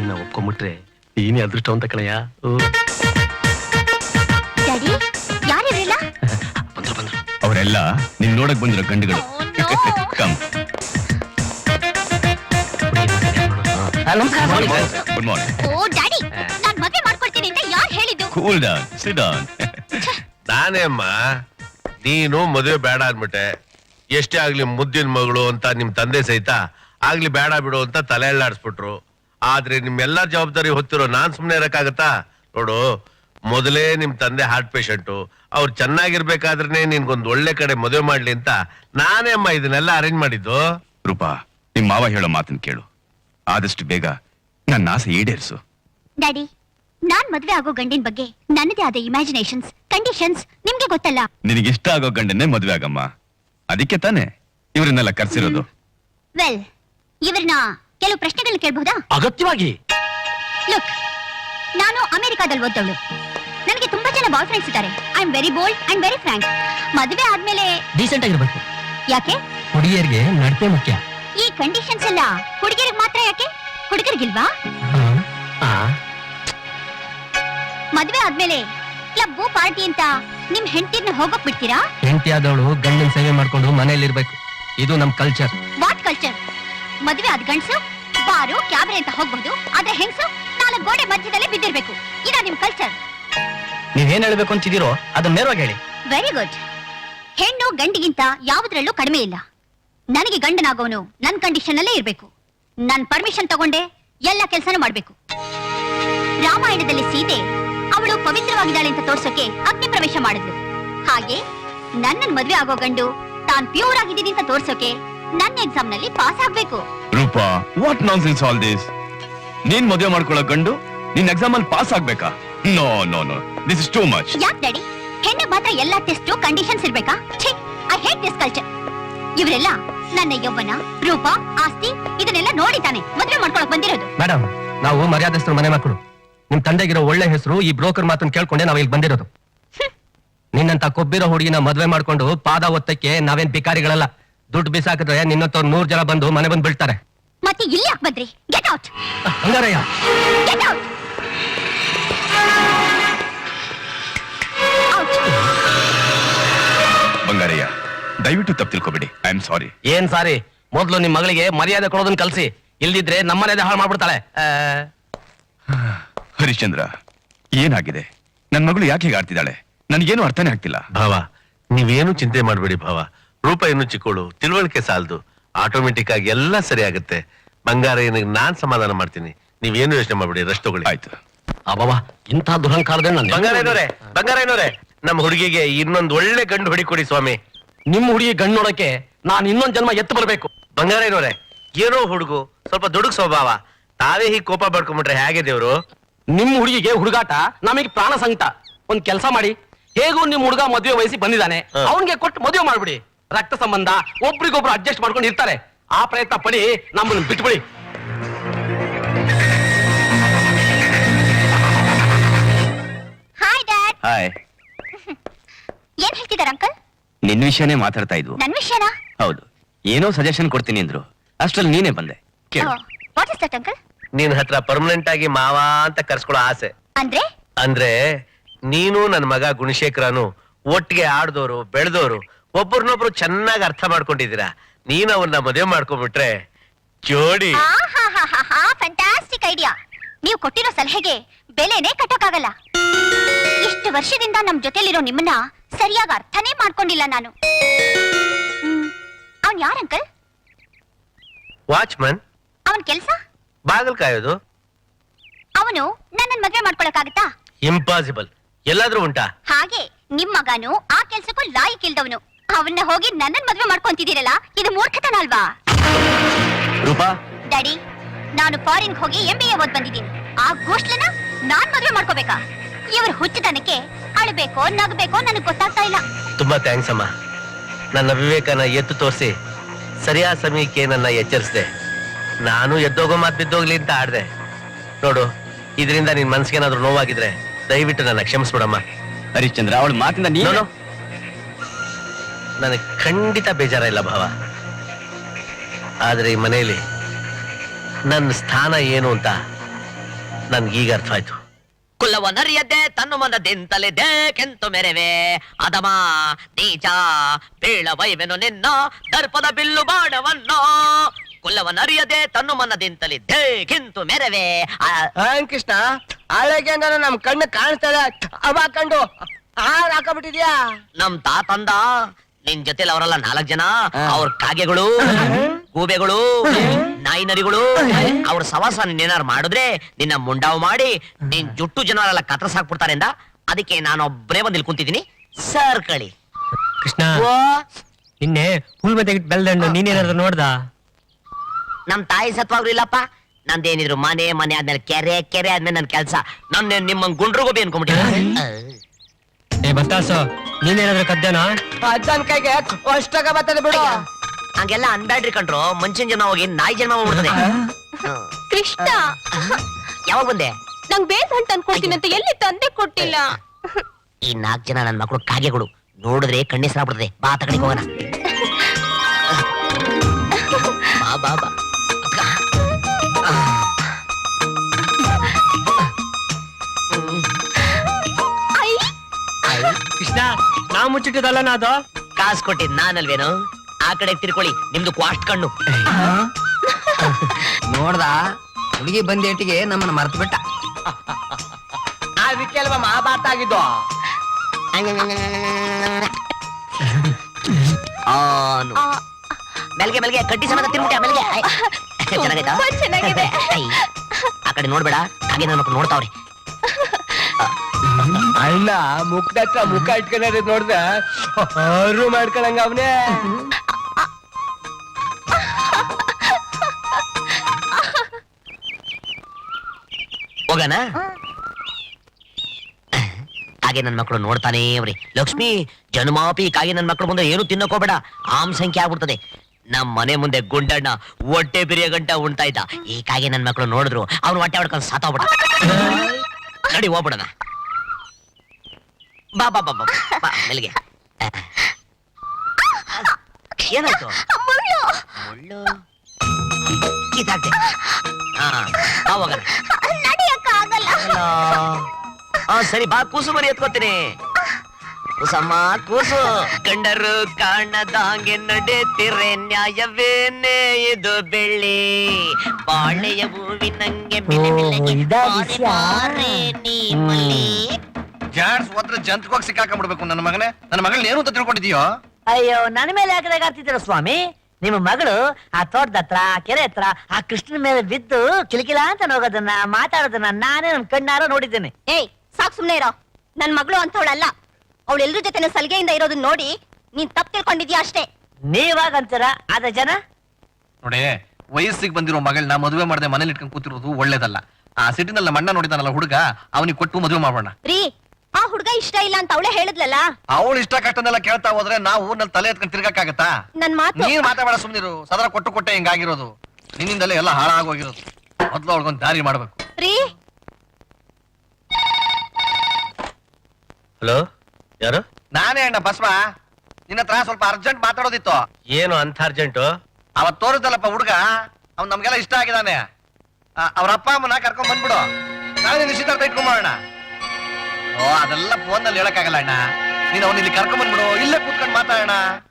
ನಿನ್ನ ಒಪ್ಕೊಂಡ್ಬಿಟ್ರೆ ನೀನೇ ಅದೃಷ್ಟವಂತ ಕಣಯ್ಯ. ಯಾರಿರಲಿಲ್ಲ ಬಂದ್ರು ಬಂದ್ರು. ಅವರೆಲ್ಲ ನಿನ್ ನೋಡಕ್ ಬಂದಿರೋ ಗಂಡುಗಳು. Come. Good morning. Oh daddy, ನಾನ್ ಮದುವೆ ಮಾಡ್ಕೊಳ್ತೀನಿ ಅಂತ ಯಾರು ಹೇಳಿದ್ದು? Cool down, sit down. ನಾನೇ ಅಮ್ಮ, ನೀನು ಮದುವೆ ಬೇಡ ಅನ್ಬಿಟ್ಟೆ. ಎಷ್ಟೇ ಆಗ್ಲಿ ಮುದ್ದಿನ ಮಗಳು ಅಂತ ನಿಮ್ ತಂದೆ ಸಹಿತ ಆಗ್ಲಿ ಬೇಡ ಬಿಡು ಅಂತ ತಲೆ ಎಲ್ಲಾಡಿಸ್ಬಿಟ್ರು. ಆದ್ರೆ ನಿಮ್ಮೆಲ್ಲಾ ಜವಾಬ್ದಾರಿ ಹೊತ್ತಿರೋ ನಾನ್ ಸುಮ್ನೆ ಇರಕ್ಕಾಗತ್ತಾ? ನೋಡು, ಮೊದಲೇ ನಿಮ್ ತಂದೆ ಹಾರ್ಟ್ ಪೇಷಂಟು. ಅವ್ರು ಚೆನ್ನಾಗಿರ್ಬೇಕಾದ್ರೆ ನಿನ್ಗೊಂದ್ ಒಳ್ಳೆ ಕಡೆ ಮದುವೆ ಮಾಡ್ಲಿ ಅಂತ ನಾನೇ ಅಮ್ಮ ಇದನ್ನೆಲ್ಲ ಅರೇಂಜ್ ಮಾಡಿದ್ದು. ರೂಪಾ, ನಿಮ್ ಮಾವ ಹೇಳೋ ಮಾತನ್ನ ಕೇಳು. ಆದಷ್ಟು ಬೇಗ ನನ್ನ ಆಸೆ ಈಡೇರಿಸು. ಡ್ಯಾಡಿ, ನಾನ್ ಮದ್ವೆ ಆಗೋ ಗಂಡಿನ ಬಗ್ಗೆ ನನ್ನದೇ ಆದ ಇಮ್ಯಾಜಿನೇಷನ್ಸ್, ಕಂಡೀಷನ್ಸ್ ನಿಮ್ಗೆ ಗೊತ್ತಲ್ಲ. ನಿನಗಿಷ್ಟ ಆಗೋ ಗಂಡನ್ನೇ ಮದ್ವೆ ಆಗಮ್ಮ. ಅದಕ್ಕೆ ತಾನೇ ಇವರನ್ನೆಲ್ಲ ಕರ್ಸಿರೋದು. ವೆಲ್, ಇವ್ರನ್ನ ಕೆಲವು ಪ್ರಶ್ನೆಗಳನ್ನ ಕೇಳಬಹುದಾ? ಅಗತ್ಯವಾಗಿ. ಲುಕ್, ನಾನು ಅಮೆರಿಕಾದಲ್ಲಿ ಓದ್ದವಳು. ನನಗೆ ತುಂಬಾ ಜನ ಬಾಯ್ ಫ್ರೆಂಡ್ಸ್ ಇದ್ದಾರೆ. I am very bold and very frank. ಮದುವೆ ಆದ್ಮೇಲೆ ಡೀಸೆಂಟ್ ಆಗಿರ್ಬೇಕು. ಯಾಕೆ? ಹುಡುಗಿಯರಿಗೆ ನಡತೆ ಮುಖ್ಯ. ಈ ಕಂಡೀಷನ್ಸ್ ಎಲ್ಲ ಹುಡುಗಿಯರಿಗೆ ಮಾತ್ರ ಯಾಕೆ, ಹುಡುಗರಿಗಿಲ್ವಾ? ಮದ್ವೆ ಆದ್ಮೇಲೆ ಕ್ಲಬ್ ಪಾರ್ಟಿ ಅಂತ ನಿಮ್ ಹೆಂಡತಿನ ಹೋಗಕ್ ಬಿಡ್ತೀರಾ? ಹೆಂಡತಿ ಆದವಳು ಗಂಡನ ಸೇವೆ ಮಾಡ್ಕೊಂಡು ಮನೆಯಲ್ಲಿ ಇರ್ಬೇಕು. ಇದು ನಮ್ ಕಲ್ಚರ್. What culture? ಮದ್ವೆ ಆದ ಗಂಡಸು ಬಾರು ಕ್ಯಾಬ್ರೆ ಅಂತ ಹೋಗ್ಬಹುದು, ಆದ್ರೆ ಹೆಂಗಸು 4 ಗೋಡೆ ಮಧ್ಯದಲ್ಲೇ ಬಿದ್ದಿರ್ಬೇಕು. ಇದ ನಿಮ್ ಕಲ್ಚರ್? ನೀವೇನ್ ಹೇಳ್ಬೇಕು ಅಂತಿದ್ದೀರೋ ಅದನ್ನ ನೇರವಾಗಿ ಹೇಳಿ. Very good. ಹೆಣ್ಣು ಗಂಡಿಗಿಂತ ಯಾವುದ್ರಲ್ಲೂ ಕಡಿಮೆ ಇಲ್ಲ. ನನಗೆ ಗಂಡನಾಗೋನು ನನ್ ಕಂಡೀಷನ್ ಅಲ್ಲೇ ಇರ್ಬೇಕು. ನನ್ ಪರ್ಮಿಷನ್ ತಗೊಂಡೆ ಎಲ್ಲ ಕೆಲಸನೂ ಮಾಡ್ಬೇಕು. ರಾಮಾಯಣದಲ್ಲಿ ಸೀತೆ ಅವಳು ಪವಿತ್ರವಾಗಿದ್ದಾಳೆ ಅಂತ ತೋರ್ಸೋಕೆ ಅಗ್ನಿ ಪ್ರವೇಶ ಮಾಡಿದ್ಲು. ಹಾಗೆ ನನ್ನನ್ ಮದ್ವೆ ಆಗೋ ಗಂಡು ತಾನ್ ಪ್ಯೂರ್ ಆಗಿದ್ದೀನಿ ಅಂತ ತೋರ್ಸೋಕೆ ನನ್ನ ಎಕ್ಸಾಮ್ ನಲ್ಲಿ ಪಾಸ್ ಆಗ್ಬೇಕು. Roopa, what nonsense all this? ನೀನ್ ಮದುವೆ ಮಾಡ್ಕೊಳ್ಳೋ ಗಂಡು ನಿನ್ ಎಕ್ಸಾಮ್ ಅಲ್ಲಿ ಪಾಸ್ ಆಗ್ಬೇಕಾ? No no no, this is too much. ಯಾಕ್ ಡ್ಯಾಡಿ, ಹೆಣ್ಣು ಮಾತ್ರ ಎಲ್ಲಾ ಟೆಸ್ಟ್ ಕಂಡೀಷನ್ಸ್ ಇರ್ಬೇಕಾ? ಛೀ, ಐ ಹೇಟ್ ದಿಸ್ ಕಲ್ಚರ್. ಇವರೆಲ್ಲ ನನ್ನ ಯೌವನ, ರೂಪ, ಆಸ್ತಿ ಇದನ್ನೆಲ್ಲ ನೋಡಿ ತಾನೆ ಮದ್ವೆ ಮಾಡ್ಕೊಳಕ್ ಬಂದಿರೋದು. ಮೇಡಮ್, ನಾವು ಮರ್ಯಾದಸ್ಥರು ಮನೆ ಮಕ್ಕಳು. ನಿಮ್ ತಂದೆಗಿರೋ ಒಳ್ಳೆ ಹೆಸರು ಈ ಬ್ರೋಕರ್ ಮಾತನ್ನ ಕೇಳ್ಕೊಂಡೆ ನಾವ್ ಇಲ್ಲಿ ಬಂದಿರೋದು. ನಿನ್ನಂತ ಕೊಬ್ಬಿರೋ ಹುಡುಗಿನ ಮದ್ವೆ ಮಾಡ್ಕೊಂಡು ಪಾದ ಒತ್ತಕ್ಕೆ ನಾವೇನ್ ಬಿಕಾರಿಗಳಲ್ಲ. ದುಡ್ಡು ಬಿಸಾಕಿದ್ರೆ ನಿನ್ನಂತವ್ರು 100 ಜನ ಬಂದು ಮನೆ ಬಂದು ಬೀಳ್ತಾರೆ. ಮತ್ತೆ ಇಲ್ಲಿ ಯಾಕೆ ಬಂದ್ರಿ? Get out. ಹಂಗಾರಯ್ಯ, ಗೆಟ್ ಔಟ್. ಬಂಗಾರಯ್ಯ, ದಯವಿಟ್ಟು ತಪ್ಪು ತಿಳ್ಕೊಬೇಡಿ. I am sorry. ಏನ್ ಸಾರಿ? ಮೊದ್ಲು ನಿಮ್ ಮಗಳಿಗೆ ಮರ್ಯಾದೆ ಕೊಡೋದನ್ನ ಕಲ್ಸಿ. ಇಲ್ದಿದ್ರೆ ನಮ್ಮನೇದೇ ಹಾಳು ಮಾಡ್ಬಿಡ್ತಾಳೆ. ಹರಿಶ್ಚಂದ್ರ, ಏನಾಗಿದೆ? ನನ್ ಮಗಳು ಯಾಕೆ ಹೀಗೆ ಆಡ್ತಿದ್ದಾಳೆ? ನನ್ಗೇನು ಅರ್ಥನೇ ಆಗ್ತಿಲ್ಲ. ಭಾವ, ನೀವೇನು ಚಿಂತೆ ಮಾಡ್ಬೇಡಿ ಭಾವ. ರೂಪ ಇನ್ನು ಚಿಕ್ಕಳು, ತಿಳುವಳಿಕೆ ಸಾಲದು. ಆಟೋಮೆಟಿಕ್ ಆಗಿ ಎಲ್ಲ ಸರಿ ಆಗುತ್ತೆ. ಬಂಗಾರಯ್ಯನಿಗೆ ನಾನ್ ಸಮಾಧಾನ ಮಾಡ್ತೀನಿ. ನೀವೇನು ಯೋಚನೆ ಮಾಡ್ಬೇಡಿ, ರೆಸ್ಟ್ ತಗೊಳ್ಳಿ. ಆಯ್ತು. ಅಬ್ಬವ, ಇಂಥ ದುರಹಂಕಾರದಿಂದ ಬಂಗಾರಯ್ಯನವರೇ, ನಮ್ಮ ಹುಡುಗಿಗೆ ಇನ್ನೊಂದು ಒಳ್ಳೆ ಗಂಡು ಹೊಡಿಕೊಡಿ ಸ್ವಾಮಿ. ನಿಮ್ ಹುಡುಗಿ ಗಂಡು ನೋಡಕ್ಕೆ ನಾನ್ ಇನ್ನೊಂದ್ ಜನ್ಮ ಎತ್ತು ಬರ್ಬೇಕು. ಬಂಗಾರಯ್ಯನವರೇ, ಏನೋ ಹುಡುಗು, ಸ್ವಲ್ಪ ದುಡುಗ್ ಸ್ವಭಾವ. ತಾವೇ ಹೀಗೆ ಕೋಪ ಬಡ್ಕೊಂಡ್ಬಿಟ್ರೆ ಹೇಗೆ ದೇವ್ರು? ನಿಮ್ ಹುಡುಗಿಗೆ ಹುಡುಗಾಟ, ನಮಗೆ ಪ್ರಾಣ ಸಂಕಟ. ಒಂದ್ ಕೆಲಸ ಮಾಡಿ, ಹೇಗೂ ನಿಮ್ ಹುಡುಗ ಮದುವೆ ವಯಸ್ಸಿ ಬಂದಿದ್ದಾನೆ, ಅವನ್ಗೆ ಕೊಟ್ಟು ಮದುವೆ ಮಾಡ್ಬಿಡಿ. ರಕ್ತ ಸಂಬಂಧ, ಒಬ್ರಿಗೊಬ್ರು ಅಡ್ಜಸ್ಟ್ ಮಾಡ್ಕೊಂಡು ಇರ್ತಾರೆ. ಆ ಪ್ರಯತ್ನ ಪಡಿ, ನಮ್ಮನ್ನು ಬಿಟ್ಬಿಡಿ. Hi dad. ಹಾಯ್. ಏನ್ ಹೇಳ್ತಿದಾರ ಅಂಕಲ್? ನಿನ್ ವಿಷಯನೇ ಮಾತಾಡ್ತಾ ಇದ್ವು. ನನ್ ವಿಷಯನಾ? ಹೌದು, ಏನೋ ಸಜೆಷನ್ ಕೊಡ್ತೀನಿ ಅಂದ್ರು. ಅಷ್ಟ್ರಲ್ಲಿ ನೀನೇ ಬಂದೆ. What is that uncle? ನಿನ್ ಹತ್ರ ಪರ್ಮನೆಂಟ್ ಆಗಿ ಮಾವ ಅಂತ ಕರ್ಸ್ಕೊಳ್ಳೋ ಆಸೆ. ಅಂದ್ರೆ ನೀನು ನನ್ನ ಮಗ ಗುಣಶೇಖರನು ಒಟ್ಟಿಗೆ ಆಡ್ದೋರು ಬೆಳೆದೋರು, ಒಬ್ಬರನ್ನೊಬ್ರು ಚೆನ್ನಾಗಿ ಅರ್ಥ ಮಾಡ್ಕೊಂಡಿದ್ದೀರಾ. ನೀನ್ ಅವನ್ನ ಮದುವೆ ಮಾಡ್ಕೊಂಡ್ಬಿಟ್ರೆ ಜೋಡಿ. Fantastic idea. ನೀವು ಕೊಟ್ಟಿರೋ ಸಲಹೆಗೆ ಬೆಲೆನೇ ಕಟ್ಟೋಕ್ಕಾಗಲ್ಲ. ಇಷ್ಟು ವರ್ಷದಿಂದ ನಮ್ ಜೊತೆಲಿರೋ ನಿಮ್ಮನ್ನ ಸರಿಯಾಗಿ ಅರ್ಥನೇ ಮಾಡ್ಕೊಂಡಿಲ್ಲ ನಾನು. ಅವನ್ ಯಾರ ಅಂಕಲ್? ವಾಚ್ಮನ್. ಅವನ್ ಕೆಲ್ಸ? ಬಾಗಲ್ ಕಾಯೋದು. ಅವನು ನನ್ನನ್ ಮದ್ವೆ ಮಾಡ್ಕೊಳಕ್ಕಾಗತ್ತಾ? ಇಂಪಾಸಿಬಲ್. ಎಲ್ಲಾದ್ರೂ ಉಂಟಾ? ಹಾಗೆ ನಿಮ್ ಮಗನು ಆ ಕೆಲ್ಸಕ್ಕೂ ಲಾಯಕ್ ಇಲ್ದವನು. ಅವನ್ನ ಹೋಗಿ ನನ್ನನ್ ಮದ್ವೆ ಮಾಡ್ಕೊಂತಿದ್ದೀರಲ್ಲ, ಇದು ಮೂರ್ಖತನ ಅಲ್ವಾ? ರೂಪಾ, ಡ್ಯಾಡಿ, ನಾನು ಫಾರಿನ್ ಹೋಗಿ MBA ಓದ್ ಬಂದಿದ್ದೀನಿ. ಆ ಗೋಷ್ಠನ ನಾನ್ ಮದ್ವೆ ಮಾಡ್ಕೋಬೇಕಾ? ಇವ್ರ ಹುಚ್ಚತನಕ್ಕೆ ಅಳ್ಬೇಕೋ ನಗಬೇಕೋ ನನಗ್ ಗೊತ್ತಾಗ್ತಾ ಇಲ್ಲ. ತುಂಬಾ ಥ್ಯಾಂಕ್ಸ್ ಅಮ್ಮ. ನನ್ನ ವಿವೇಕನ ಎತ್ತು ತೋರಿಸಿ ಸರಿಯಾದ ಸಮಯಕ್ಕೆ ನನ್ನ ಎಚ್ಚರಿಸಿದೆ. ನಾನು ಎದ್ದೋಗೋ ಮಾತು ಬಿದ್ದೋಗ್ಲಿ ಅಂತ ಆಡ್ದೆ. ನೋಡು, ಇದರಿಂದ ನಿನ್ ಮನ್ಸಿಗೆ ಏನಾದ್ರು ನೋವಾಗಿದ್ರೆ ದಯವಿಟ್ಟು ನನ್ನ ಕ್ಷಮಿಸ್ಬಿಡಮ್ಮ. ಹರಿಶ್ಚಂದ್ರ, ಅವಳ ಮಾತಿಂದ ನೀನು ನನಗೆ ಖಂಡಿತ ಬೇಜಾರ ಇಲ್ಲ ಭಾವ. ಆದ್ರೆ ಈ ಮನೆಯಲ್ಲಿ ನನ್ನ ಸ್ಥಾನ ಏನು ಅಂತ ನನ್ಗೀಗ ಅರ್ಥ ಆಯ್ತು. ಕುಲವನರಿಯದೆ ತನ್ನು ಮನದಿಂತಲಿದೆ ಕೆಂತು ಮೆರೆವೆ ಅದಮ ನೀಚ ಬೀಳವೈವೆನು ನಿನ್ನ ದರ್ಪದ ಬಿಲ್ಲು ಬಾಣವನ್ನೋ ಕುಲವನರಿಯದೆ ತನ್ನು ಮನದಿಂತಲಿದ್ದೆ ಕಿಂತು ಮೆರವೆ ಕೃಷ್ಣ ಹಳೆಗೆ ನಮ್ ಕಣ್ಣು ಕಾಣಿಸ್ತದೆ ಅವ ಕಂಡು ಹಾರ್ ಹಾಕಬಿಟ್ಟಿದ್ಯಾ ನಮ್ ತಾತಂದ ನಿನ್ ಜೊತೆಲಿ ಅವರೆಲ್ಲ 4 ಜನ ಅವ್ರ ಕಾಗೆಗಳು ಗೂಬೆಗಳು ನಾಯಿ ನರಿಗಳು ಅವ್ರ ಸವಾಸ ನೀನೇನಾರು ಮಾಡಿದ್ರೆ ನಿನ್ನ ಮುಂಡಾವ್ ಮಾಡಿ ನಿನ್ ಜುಟ್ಟು ಜನರೆಲ್ಲ ಕತ್ರಸಾಕ್ಬಿಡ್ತಾರೆ ಅಂದ. ಅದಕ್ಕೆ ನಾನೊಬ್ಬರೇ ಬಂದು ಇಲ್ಲಿ ಕುಂತಿದ್ದೀನಿ ಸರ್ ಕಳಿ. ಕೃಷ್ಣ ನಿನ್ನೆ ಹುಲ್ ಬದಿಗೆ ಬೆಲ್ದಂಡು ನೀನೇನಾದ್ರು ನೋಡ್ದ? ನಮ್ ತಾಯಿ ಸತ್ವಾಗ್ರು ಇಲ್ಲಪ್ಪ. ನಂದೇನಿದ್ರು ಮನೆ ಆದ್ಮೇಲೆ ಕೆರೆ ಆದ್ಮೇಲೆ ನನ್ ಕೆಲ್ಸ. ನನ್ನ ನಿಮ್ಮ ಗುಂಡ್ರು ಗೋಬಿ ಅನ್ಕೊಂಬಿಟ್ಟಿದ್ದೆ. ಏ ಬತ್ತಾಸು ನೀನೇನಾದ್ರು ಕದ್ದೇನಾ? ಅಜ್ಜನ್ ಕೈಗೆ ಅಷ್ಟಾಗ ಬರ್ತದೆ ಬಿಡು. ಹಂಗೆಲ್ಲ ಅನ್ಬ್ಯಾಡ್ರಿ ಕಂಡ್ರು. ಮನುಷ್ಯನ್ ಜನ್ಮ ಹೋಗಿ ನಾಯಿ ಜನ್ಮ ಹೋಗ್ಬಿಡ್ತದೆ. ಕೃಷ್ಣ ಯಾವಾಗ ಬಂದೆ? ನಂಗ್ ಬೇಸ್ ಹಣ್ಣು ತಂದ್ಕೊಡ್ತೀನಿ ಅಂತ ಎಲ್ಲಿ ತಂದೆ ಕೊಟ್ಟಿಲ್ಲ. ಈ 4 ಜನ ನನ್ ಮಕ್ಕಳು ಕಾಗೆಗಳು ನೋಡಿದ್ರೆ ಕಣ್ಣೆಸರಾಗ್ಬಿಡ್ತದೆ. ಬಾ ತಗಡಿಗೆ ಹೋಗೋಣ. ಬಾ ಬಾ ಬಾ ಅಕ್ಕ. ಕೃಷ್ಣ ನಾ ಮುಚ್ಚಿಟ್ಟಿದಲ್ಲ ನಾದು ಕಾಸು ಕೊಟ್ಟಿದ್ ನಾನಲ್ವೇನು? ಆ ಕಡೆ ತಿರ್ಕೊಳ್ಳಿ, ನಿಮ್ದು ಕ್ವಾಸ್ಟ್ ಕಣ್ಣು. ನೋಡ್ದ ಹುಡುಗಿ ಬಂದೇಟಿಗೆ ನಮ್ಮನ್ನ ಮರ್ತು ಬಿಟ್ಟ. ಅದಕ್ಕೆ ಅಲ್ವಾ ಮಹಾಭಾರತ ಆಗಿದ್ದು. ಆನು ಮೆಲ್ಗೆ ಮೆಲ್ಗೆ ಕಡ್ಡಿ ಸಮೇತ ತಿರ್ಬಿಟ್ಟೆ ಮೆಲ್ಗೆ. ಚೆನ್ನಾಗೈತಾ? ಚೆನ್ನಾಗಿದೆ. ಐ, ಆ ಕಡೆ ನೋಡ್ಬೇಡ, ಕಾಗೆ ನನ್ನ ಮಕ್ಕಳು ನೋಡ್ತಾವ್ರಿ. ಅಲ್ಲ ಮುಖದಕ್ಕ ಮುಖ ಇಟ್ಕೊಂಡ ನೋಡ್ದ ಅವರು ಮಾಡ್ಕೊಳಂಗ ಅವನೇ. ಹೋಗಣ. ಕಾಗೆ ನನ್ ಮಕ್ಕಳು ನೋಡ್ತಾನೇ ಅವ್ರಿ. ಲಕ್ಷ್ಮಿ ಜನ್ಮಾಪಿ ಕಾಗೆ ನನ್ ಮಕ್ಕಳು ಮುಂದೆ ಏನು ತಿನ್ನಕೋಬೇಡ, ಆಮ್ ಸಂಖ್ಯೆ ಆಗ್ಬಿಡ್ತದೆ. ನಮ್ ಮನೆ ಮುಂದೆ ಗುಂಡಣ್ಣ ಹೊಟ್ಟೆ ಬಿರಿಯ ಗಂಟ ಉಣ್ತಾ ಇದ್ದ. ಈ ಕಾಗೆ ನನ್ ಮಕ್ಕಳು ನೋಡಿದ್ರು ಅವ್ನು ಹೊಟ್ಟೆ ಹೊಡ್ಕೊಂಡು ಸಾತೋಗ್ಬಿಡ. ನಡಿ ಹೋಗ್ಬಿಡಣ. ಬಾ ಬಾ ಬಾ ಬಾ ಬಾ ಮೆಲ್ಗೆ. ಏನಾಯ್ತು? ಮುಳ್ಳು ಕಿತ್ತಾಕ್ತೆ. ಹಾ ಬಾ ಹೋಗೋಣ. ಸರಿ ಬಾ, ಕೂಸು ಮರಿ ಎತ್ಕೋತೀನಿ. ಕೂಸಮ್ಮ ಕೂಸು. ಗಂಡರು ಕಾಣದಾಂಗೆ ನಡೆತಿರೆ ನ್ಯಾಯವೇನೆ ಇದು ಬೆಳ್ಳಿ ಬಾಳೆಯ ಹೂವಿನಂಗೆ ಜಾಡ್ಸ್ ಹೋದ್ರೆ ಜಂತಕೋಗಿ ಸಿಕ್ಕಾಕೊಂಡ್ಬಿಡ್ಬೇಕು ನನ್ನ ಮಗನೇ. ನನ್ನ ಮಗಳನ್ನ ಏನು ಅಂತ ತಿಳ್ಕೊಂಡಿದೀಯೋ? ಅಯ್ಯೋ ನನ್ನ ಮೇಲೆ ಯಾಕೆ ಆಗ್ತಿದ್ದೀರ ಸ್ವಾಮಿ? ನಿಮ್ಮ ಮಗಳು ಆ ತೋಟದ ಹತ್ರ ಕೆರೆ ಹತ್ರ ಆ ಕೃಷ್ಣನ ಮೇಲೆ ಬಿದ್ದು ಕಿಲಕಿಲ ಅಂತ ಹೋಗೋದನ್ನ ಮಾತಾಡೋದನ್ನ ನಾನೇ ನನ್ ಕಣ್ಣಾರ ನೋಡಿದ್ದೇನೆ. ಏಯ್ ಸಾಕ್ ಸುಮ್ನೆ ಇರೋ. ನನ್ ಮಗಳು ಅಂತವಳಲ್ಲ. ಅವಳು ಎಲ್ರ ಜೊತೆ ಸಲಿಗೆಯಿಂದ ಇರೋದನ್ನ ನೋಡಿ ನೀನ್ ತಪ್ಪು ತಿಳ್ಕೊಂಡಿದ್ಯಾ ಅಷ್ಟೇ. ನೀವಾಗಂತೀರ, ಆದ ಜನ ನೋಡಿ, ವಯಸ್ಸಿಗೆ ಬಂದಿರೋ ಮಗಳನ್ನ ಮದುವೆ ಮಾಡದೆ ಮನೇಲಿ ಇಟ್ಕೊಂಡು ಕೂತಿರೋದು ಒಳ್ಳೇದಲ್ಲ. ಆ ಸಿಟಿನಲ್ಲಿ ನಮ್ಮ ಅಣ್ಣ ನೋಡಿದಾನಲ್ಲ ಹುಡುಗ, ಅವನಿಗೆ ಕೊಟ್ಟು ಮದುವೆ ಮಾಡೋಣ. ರೀ, ಆ ಹುಡ್ಗ ಇಷ್ಟ ಇಲ್ಲ ಅಂತ ಅವಳೇ ಹೇಳಿದ್ಲಲ್ಲ. ಅವಳು ಇಷ್ಟ ಕಷ್ಟನೆಲ್ಲ ಕೇಳ್ತಾ ಹೋದ್ರೆ ನಾವು ನನ್ನ ತಲೆ ಎತ್ಕೊಂಡು ತಿರ್ಗಕ್ಕಾಗತ್ತಾ? ನನ್ ಮಾತು ನೀನ್ ಮಾತಾಡ ಸುಮ್ನಿರು. ಸದಾ ಕೊಟ್ಟೆ ಹಿಂಗಾಗಿರೋದು. ನಿನ್ನಿಂದಲೇ ಎಲ್ಲ ಹಾಳಾಗೋಗಿರೋದು. ಮೊದ್ಲು ಅವಳಿಗೊಂದು ದಾರಿ ಮಾಡ್ಬೇಕು. ರೀ, ಹಲೋ, ಯಾರು? ನಾನೇ ಅಣ್ಣ ಬಸ್ವ. ನಿನ್ನ ಹತ್ರ ಸ್ವಲ್ಪ ಅರ್ಜೆಂಟ್ ಮಾತಾಡೋದಿತ್ತು. ಏನು ಅಂತ ಅರ್ಜೆಂಟು? ಅವತ್ ತೋರಿದ್ದಲ್ಲಪ್ಪ ಹುಡುಗ, ಅವ್ನ್ ನಮ್ಗೆಲ್ಲ ಇಷ್ಟ ಆಗಿದಾನೆ. ಅವ್ರ ಅಪ್ಪ ಅಮ್ಮನ ಕರ್ಕೊಂಡ್ ಬಂದ್ಬಿಡು. ನಾಳೆ ನಿಶ್ಚಿತಾರ್ಥ ಇಟ್ಕೊಂಬೋಣ. ಓ ಅದೆಲ್ಲ ಫೋನ್ ನಲ್ಲಿ ಹೇಳಕ್ಕಾಗಲ್ಲ ಅಣ್ಣ. ನೀನ್ ಅವ್ನ ಇಲ್ಲಿ ಕರ್ಕೊಂಡ್ ಬಂದ್ಬಿಡು, ಇಲ್ಲೇ ಕೂತ್ಕೊಂಡು ಮಾತಾಡೋಣ.